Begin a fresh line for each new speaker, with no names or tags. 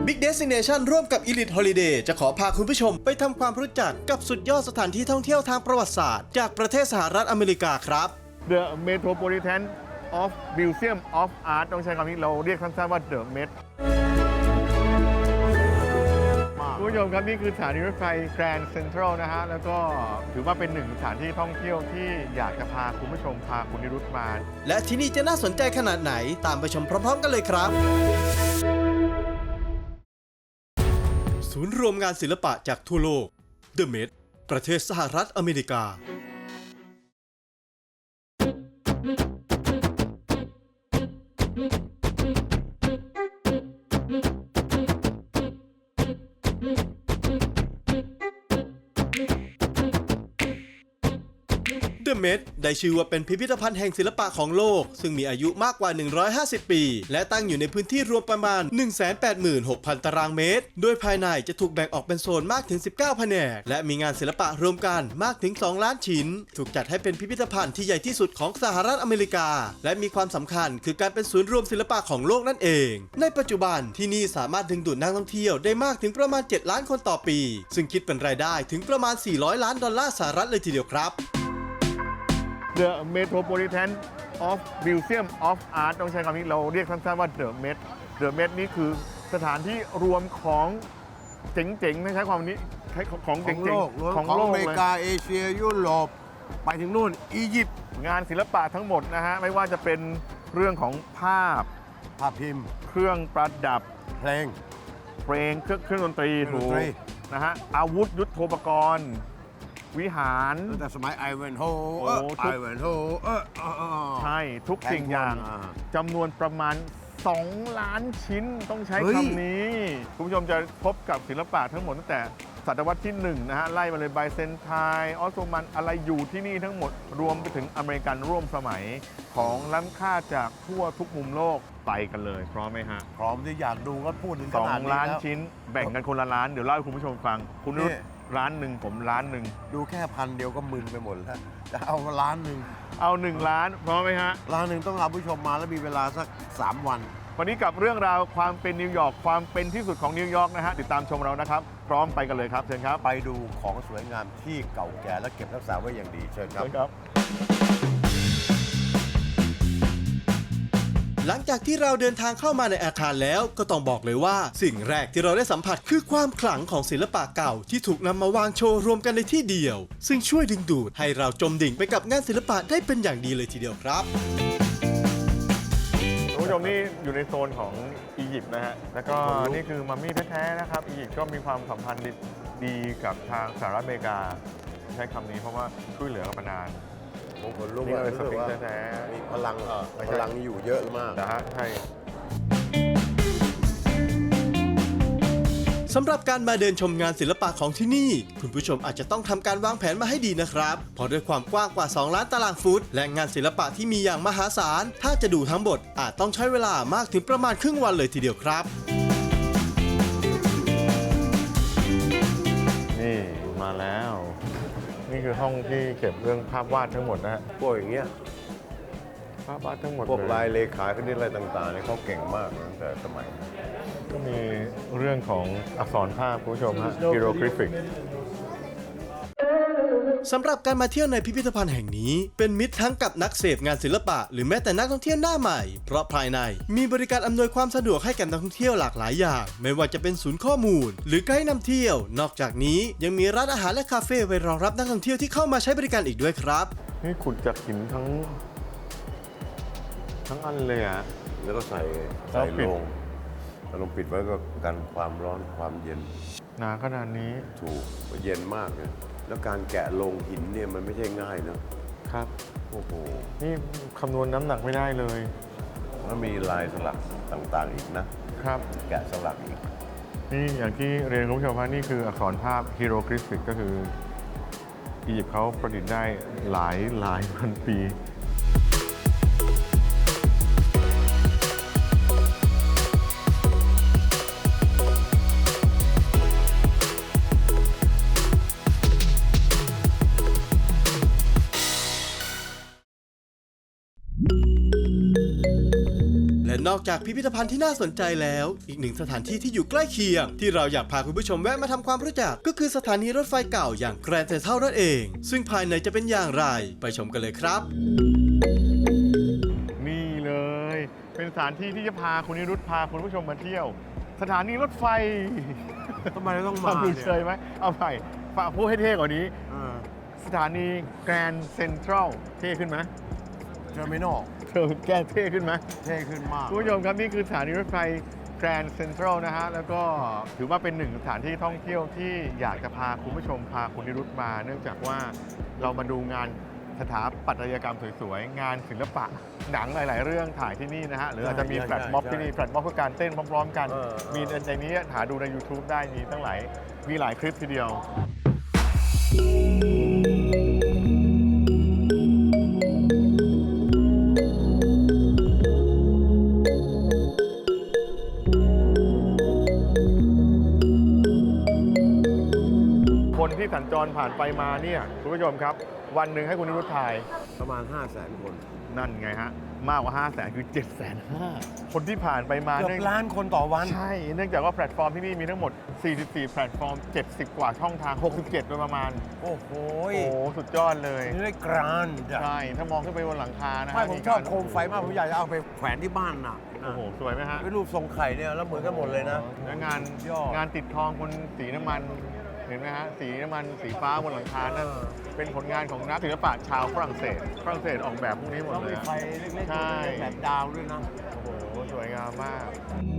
Big Destination ร่วมกับ Elite Holiday จะขอพาคุณผู้ชมไปทำความรู้จักกับสุดยอดสถานที่ท่องเที่ยวทางประวัติศาสตร์จากประเทศสหรัฐอเมริกาครับ
The Metropolitan of Museum of Art ต้องใช้คำนี้เราเรียกสั้นๆว่า The Met คุณผู้ชมครับนี่คือสถานีรถไฟ Grand Central นะฮะแล้วก็ถือว่าเป็นหนึ่งสถานที่ท่องเที่ยวที่อยากจะพาคุณผู้ชมพาคุณนิรุตมา
และที่นี่จะน่าสนใจขนาดไหนตามไปชมพร้อมๆกันเลยครับศูนย์รวมงานศิลปะจากทั่วโลก The Met ประเทศสหรัฐอเมริกาThe Met ได้ชื่อว่าเป็นพิพิธภัณฑ์แห่งศิลปะของโลกซึ่งมีอายุมากกว่า150 ปีและตั้งอยู่ในพื้นที่รวมประมาณ 186,000 ตารางเมตรโดยภายในจะถูกแบ่งออกเป็นโซนมากถึง 19 แผนกและมีงานศิลปะรวมกันมากถึง 2 ล้านชิ้นถูกจัดให้เป็นพิพิธภัณฑ์ที่ใหญ่ที่สุดของสหรัฐอเมริกาและมีความสำคัญคือการเป็นศูนย์รวมศิลปะของโลกนั่นเองในปัจจุบันที่นี่สามารถดึงดูดนักท่องเที่ยวได้มากถึงประมาณ 7 ล้านคนต่อปีซึ่งคิดเป็นรายได้ถึงประมาณ 400 ล้านดอลลาร์สหรัฐเลยทีเดียวครับ
The Metropolitan of Museum of Art ต้องใช้คำนี้เราเรียกสั้นๆว่า The Met The Met นี่คือสถานที่รวมของเจ๋งๆไม่ใช้ความนี้ของเจ๋งๆ
ของอเมริกาเอเชียยุโรปไปถึงนู่นอียิปต์
งานศิลปะทั้งหมดนะฮะไม่ว่าจะเป็นเรื่องของภาพ
พิมพ์
เครื่องประดับ
เพลง
เครื่องดนตรีถูกนะฮะอาวุธยุทโธปกรณ์วิหาร
ตั้งแต่สมัยไอเวนโฮ
ใช่ทุกสิ่งอย่างจำนวนประมาณ2 ล้านชิ้นต้องใช้คำนี้คุณผู้ชมจะพบกับศิลปะทั้งหมดตั้งแต่ศตวรรษที่1นะฮะไล่มาเลยไบเซนไทน์ออสโตมันอะไรอยู่ที่นี่ทั้งหมดรวมไปถึงอเมริกันร่วมสมัยของล้ำค่าจากทั่วทุกมุมโลกไปกันเลยพร้อมไหมฮะ
พร้อมที่อยากดูก็พูดถึงขนาดนี้
2 ล้านชิ้นแบ่งกันคนละล้านเดี๋ยวเล่าให้คุณผู้ชมฟังคุณนุชล้านหนึ่งผมล้านหนึ่ง
ดูแค่1,000เดียวก็มึนไปหมดแล้วจะเอาล้านหนึ่ง
เอา1 ล้านพร้อมไหมฮะ
ล้านหนึ่งต้องรับผู้ชมมาแล้วมีเวลาสัก3 วัน
วันนี้กับเรื่องราวความเป็นนิวยอร์กความเป็นที่สุดของนิวยอร์กนะฮะติดตามชมเรานะครับพร้อมไปกันเลยครับเชิญครับ
ไปดูของสวยงามที่เก่าแก่และเก็บรักษาไว้อย่างดีเชิญครับ
หลังจากที่เราเดินทางเข้ามาในอาคารแล้วก็ต้องบอกเลยว่าสิ่งแรกที่เราได้สัมผัสคือความขลังของศิลปะเก่าที่ถูกนำมาวางโชว์รวมกันในที่เดียวซึ่งช่วยดึงดูดให้เราจมดิ่งไปกับงานศิลปะได้เป็นอย่างดีเลยทีเดียวครับ
คุณผู้ชมนี่อยู่ในโซนของอียิปต์นะฮะแล้วก็นี่คือมัมมี่แท้ๆนะครับอียิปต์ก็มีความสัมพันธ์ดีกับทางสหรัฐอเมริกาใช้คำนี้เพราะว่าช่วยเหลือกันมานาน
ผมคนรู้ว่ามีพลังอยู่เยอะมาก
นะฮะใช่
สำหรับการมาเดินชมงานศิลปะของที่นี่คุณผู้ชมอาจจะต้องทำการวางแผนมาให้ดีนะครับเพราะด้วยความกว้างกว่า2 ล้านตารางฟุตและงานศิลปะที่มีอย่างมหาศาลถ้าจะดูทั้งหมดอาจต้องใช้เวลามากถึงประมาณครึ่งวันเลยทีเดียวครับ
นี่มาแล้วนี่คือห้องที่เก็บเรื่องภาพวาดทั้งหมดนะฮะ
พวกอย่างเงี้ย
ภาพวาดทั้งหมด
พวกลายเลขาคณิตอะไรต่างๆเนี่ยเขาเก่งมากตั้งแต่สมัย
ก็มีเรื่องของอักษรภาพคุณผู้ชมฮะ hieroglyphic
สำหรับการมาเที่ยวในพิพิธภัณฑ์แห่งนี้เป็นมิตรทั้งกับนักเสพงานศิลปะหรือแม้แต่นักท่องเที่ยวหน้าใหม่เพราะภายในมีบริการอำนวยความสะดวกให้กับนักท่องเที่ยวหลากหลายอย่างไม่ว่าจะเป็นศูนย์ข้อมูลหรือไกด์นำเที่ยวนอกจากนี้ยังมีร้านอาหารและคาเฟ่ไว้รองรับนักท่องเที่ยวที่เข้ามาใช้บริการอีกด้วยครับ
นี่ขุดจากหินทั้งอันเลยอะ
แล้วก็ใส่ลงปิดไว้ก็กันความร้อนความเย็น
หนาขนาดนี้
ถูกเย็นมากเลยแล้วการแกะลงหินเนี่ยมันไม่ใช่ง่ายนะครับโอ้โห
นี่คำนวณน้ำหนักไม่ได้เลย
แล้วมีลายสลักต่างๆอีกนะครับแกะสลักอีก
นี่อย่างที่เรียนคุณผู้ชมว่านี่คืออักษรภาพ hieroglyphic ก็คืออียิปต์เขาประดิษฐ์ได้หลายพันปี
นอกจากพิพิธภัณฑ์ที่น่าสนใจแล้วอีกหนึ่งสถานที่ที่อยู่ใกล้เคียงที่เราอยากพาคุณผู้ชมแวะมาทำความรู้จักก็คือสถานีรถไฟเก่าอย่างแกรนด์เซ็นทรัลนั่นเองซึ่งภายในจะเป็นอย่างไรไปชมกันเลยครับ
นี่เลยเป็นสถานที่ที่จะพาคุณนิรุตพาคุณผู้ชมมาเที่ยว สถานีรถไฟ
ทำไมเราต้อง
ฟั
มาง
ดู
เนี่ย
เชยไหมเอาใหม่ฝากพูดให้เท่กว่านี้ สถานีแกรนด์เซ็นทรัลเท่ขึ้นไหม
เทอร์มินอล
เธอแก้เท่ขึ้นไหม
เท่ขึ้นมาก
คุณผู้ชมครับนี่คือสถานีรถไฟแกรนด์เซ็นทรัลนะฮะแล้วก็ถือว่าเป็นหนึ่งสถานที่ท่องเที่ยวที่อยากจะพาคุณผู้ชมพาคุณนิรุตมา เนื่องจากว่าเรามาดูงานสถาปัตยกรรมสวยๆ งานศิลปะหนังหลายๆ เรื่องถ่ายที่นี่นะฮะหรืออาจจะมีแฟลชม็อบที่นี่แฟลชม็อบคือการเต้นพร้อมๆกัน มีในนี้หาดูใน YouTube ได้มีตั้งหลายมีหลายคลิปทีเดียว คนที่สัญจรผ่านไปมาเนี่ยคุณผู้ชมครับ วันหนึ่งให้คุณนิรุตทาย
ประมาณ 500,000 คน
นั่นไงฮะ มากกว่า 500,000 คือ 750,000 คนที่ผ่านไปมา
เกือบล้านคนต่อวัน
ใช่ เนื่องจากว่าแพลตฟอร์มที่นี่มีทั้งหมด 44 แพลตฟอร์ม 70 กว่าช่องทาง 67 โดยประมาณ
โอ้โห
โอ้โห สุดยอดเลย
นี่ได้กรานด์
ใช่ ถ้ามองขึ้นไปบนหลังคานะฮะ
ไม่ผมชอบโคมไฟมาก ผมอยากจะเอาไปแขวนที่บ้านน่ะ
โอ้โห สวยไหมฮะ
เป็นรูปทรงไข่เนี่ยแล้วเหมือนกันหมดเลยนะ
แล้วงาน
ยอด
งานติดทองบนสีน้ำมัน เห็นไหมฮะ สีน้ำมันสีฟ้าบนหลังคานั่นเป็นผลงานของนักศิลปะชาวฝรั่งเศส ฝรั่งเศสออกแบบพวกนี้หมด
ต้อง
เลย
มี
อะ
ไฟเล็ก
ใช่
ๆแบบดาวด้วยนะ
โอ้โห สวยงามมาก